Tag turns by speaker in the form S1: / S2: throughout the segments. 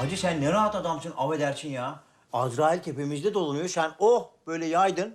S1: Hacı sen ne rahat adamsın, affedersin ya. Azrail tepemizde dolanıyor, sen böyle yaydın.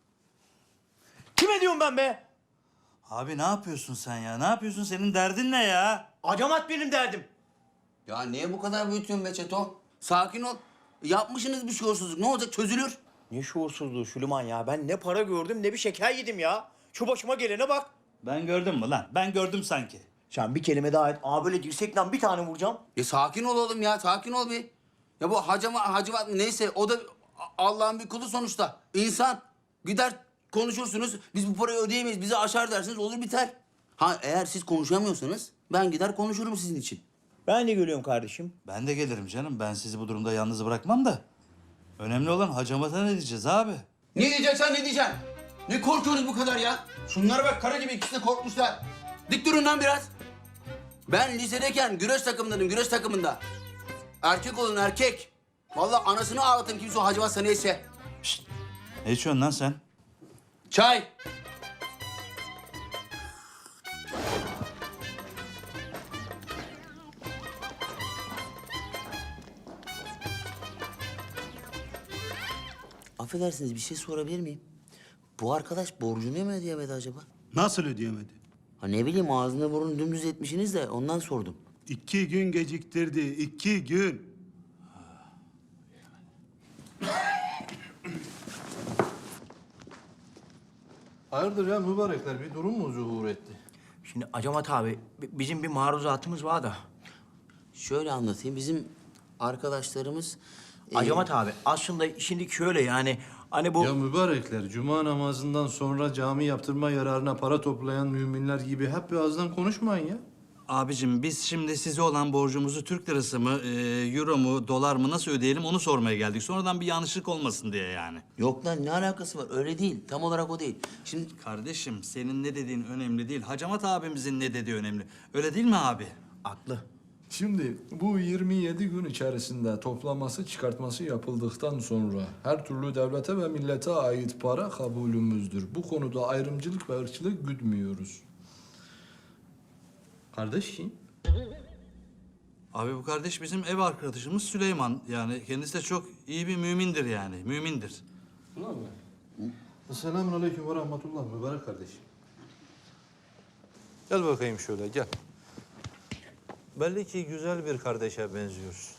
S1: Kime diyorum ben be?
S2: Abi ne yapıyorsun sen ya? Ne yapıyorsun? Senin derdin ne ya?
S1: Acamat benim derdim.
S3: Ya niye bu kadar büyütüyorsun be Çeto? Sakin ol. Yapmışsınız bir şuursuzluk. Ne olacak? Çözülür.
S1: Ne şuursuzluğu Süleyman ya. Ben ne para gördüm ne bir şeker yedim ya. Şu başıma gelene bak.
S2: Ben gördüm mü lan? Ben gördüm sanki.
S1: Sen bir kelime daha et. Böyle dirsekten bir tane vuracağım.
S3: Sakin ol oğlum ya. Sakin ol bir. Ya bu hacivat mı neyse o da Allah'ın bir kulu sonuçta. İnsan. Gider konuşursunuz. Biz bu parayı ödeyemeyiz. Bizi aşar dersiniz. Olur biter. Ha eğer siz konuşamıyorsanız ben gider konuşurum sizin için.
S1: Ben de geliyorum kardeşim.
S2: Ben de gelirim canım. Ben sizi bu durumda yalnız bırakmam da. Önemli olan hacamata ne diyeceğiz abi?
S3: Ne diyeceksen ne diyeceksin? Ne korkuyorsunuz bu kadar ya? Şunlara bak kara gibi ikisi de korkmuşlar. Dik durun lan biraz. Ben lisedeyken güreş takımındaydım, güreş takımında. Erkek olun erkek. Vallahi anasını ağlatın kimse o Hacivat neyse.
S2: Ne içiyorsun lan sen?
S3: Çay. Affedersiniz bir şey sorabilir miyim? Bu arkadaş borcunu mu ödeyemedi acaba?
S4: Nasıl ödeyemedi?
S3: Ha ne bileyim ağzını burnunu dümdüz etmişsiniz de ondan sordum.
S4: 2 gün geciktirdi, 2 gün.
S5: Hayırdır ya mübarekler bir durum mu zuhur etti?
S1: Şimdi Acamat abi bizim bir maruzatımız var da.
S3: Şöyle anlatayım bizim arkadaşlarımız...
S1: Acamat abi aslında şimdi şöyle yani hani bu...
S5: Ya mübarekler cuma namazından sonra cami yaptırma yararına para toplayan müminler gibi hep bir ağızdan konuşmayın ya.
S2: Abicim biz şimdi size olan borcumuzu Türk lirası mı, euro mu, dolar mı nasıl ödeyelim onu sormaya geldik. Sonradan bir yanlışlık olmasın diye yani.
S3: Yok lan ne alakası var öyle değil tam olarak o değil. Şimdi
S2: Kardeşim senin ne dediğin önemli değil. Hacamat abimizin ne dediği önemli. Öyle değil mi abi?
S1: Aklı.
S5: Şimdi bu 27 gün içerisinde toplaması çıkartması yapıldıktan sonra her türlü devlete ve millete ait para kabulümüzdür. Bu konuda ayrımcılık ve ırkçılık güdmüyoruz. Kardeş kim?
S2: Abi bu kardeş bizim ev arkadaşımız Süleyman. Yani kendisi de çok iyi bir mümindir yani. Mümindir.
S5: Ulan mı? Selamun aleyküm ve rahmetullah mübarek kardeşim. Gel bakayım şöyle gel. Belli ki güzel bir kardeşe benziyorsun.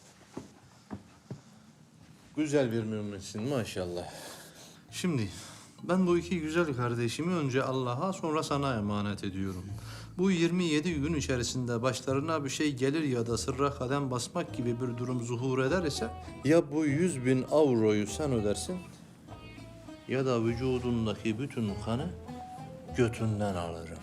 S5: Güzel bir müminsin maşallah. Şimdi ben bu iki güzel kardeşimi önce Allah'a sonra sana emanet ediyorum. Bu 27 gün içerisinde başlarına bir şey gelir ya da sırra kadem basmak gibi bir durum zuhur eder ise ya bu 100.000 avroyu sen ödersin ya da vücudundaki bütün kanı götünden alırım.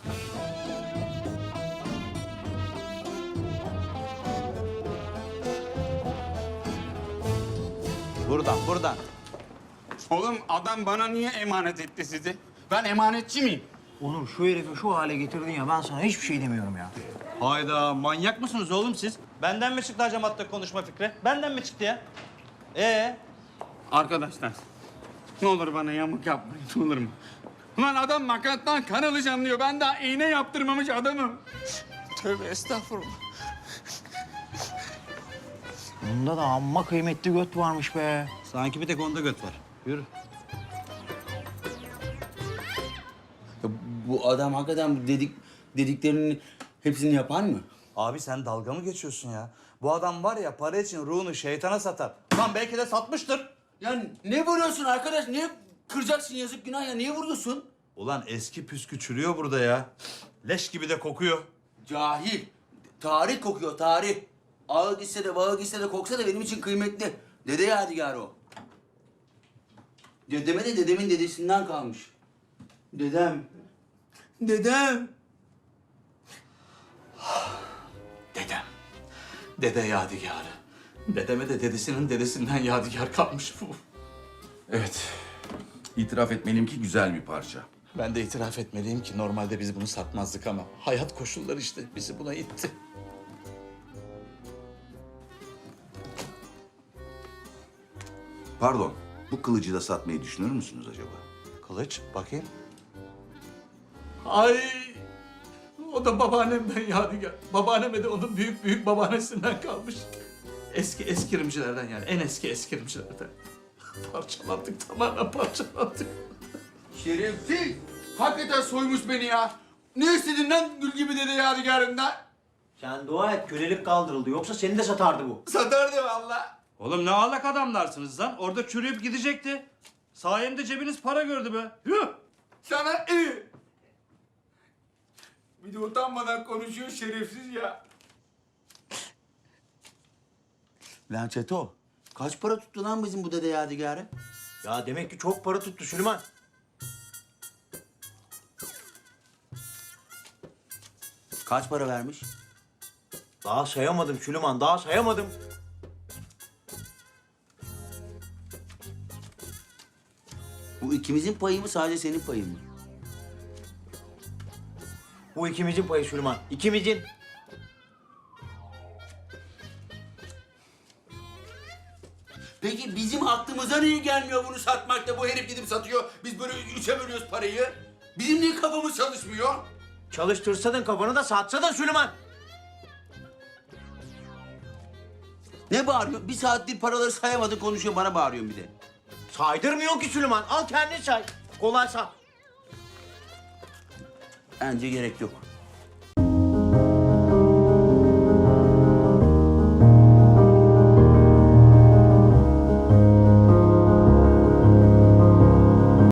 S2: Buradan.
S6: Oğlum adam bana niye emanet etti sizi? Ben emanetçi miyim?
S1: Oğlum şu herifi şu hale getirdin ya ben sana hiçbir şey demiyorum ya.
S2: Hayda manyak mısınız oğlum siz? Benden mi çıktı hacamatta konuşma fikri? Benden mi çıktı ya?
S6: Arkadaşlar ne olur bana yamuk yapmayın ne olur mu? Ulan adam makattan kan alacağım diyor. Ben daha iğne yaptırmamış adamım. Tövbe estağfurullah.
S1: Bunda da amma kıymetli göt varmış be.
S2: Sanki bir tek onda göt var. Yürü.
S3: ya bu adam hakikaten dediklerinin hepsini yapar mı?
S2: Abi sen dalga mı geçiyorsun ya? Bu adam var ya para için ruhunu şeytana satar. Lan belki de satmıştır.
S3: Ya ne vuruyorsun arkadaş? Niye kıracaksın yazık günah ya? Niye vuruyorsun?
S2: Ulan eski püskü çürüyor burada ya. Leş gibi de kokuyor.
S3: Cahil. Tarih kokuyor tarih. Ağı gitse de bağı gitse de koksa da benim için kıymetli. Dede yadigarı o. Dedeme de dedemin dedesinden kalmış. Dedem. Dedem.
S2: Dedem. Dede yadigarı. Dedeme de dedesinin dedesinden yadigar kalmış bu.
S7: Evet. İtiraf etmeliyim ki güzel bir parça.
S2: Ben de itiraf etmeliyim ki normalde biz bunu satmazdık ama hayat koşulları işte bizi buna itti.
S7: Pardon, bu kılıcı da satmayı düşünür müsünüz acaba?
S2: Kılıç bakayım.
S6: Ay o da babaannemden yadigar. Babaanneme de onun büyük babaannesinden kalmış.
S2: Eski eskirimcilerden yani. En eski eskirimcilerden. Parçalandık, tamamen parçalandık.
S3: Şerefsiz. Hakikaten soymuş beni ya. Ne istedin lan gül gibi dede yadigarından?
S1: Sen dua et kölelik kaldırıldı. Yoksa seni de satardı bu.
S3: Satardı valla.
S2: Oğlum ne alak adamlarsınız lan? Orada çürüyüp gidecekti. Sayemde cebiniz para gördü be. Yuh!
S3: Sana iyi. Bir de utanmadan konuşuyor şerefsiz ya. Lan Çeto, kaç para tuttu lan bizim bu dede yadigarı?
S1: Ya demek ki çok para tuttu Süleyman.
S3: Kaç para vermiş?
S1: Daha sayamadım Süleyman, daha sayamadım.
S3: Bu ikimizin payı mı sadece senin payın mı?
S1: Bu ikimizin payı Süleyman, ikimizin.
S3: Peki bizim aklımıza niye gelmiyor bunu satmakta? Bu herif gidip satıyor. Biz böyle üçe bölüyoruz parayı. Bizim niye kafamız çalışmıyor?
S1: Çalıştırsadın kafanı da satsadın Süleyman.
S3: Ne bağırıyor? Bir saattir paraları sayamadın konuşuyor bana bağırıyorsun bir de.
S1: Saydırmıyor ki Süleyman. Al kendin say. Kolay say.
S3: Bence gerek yok.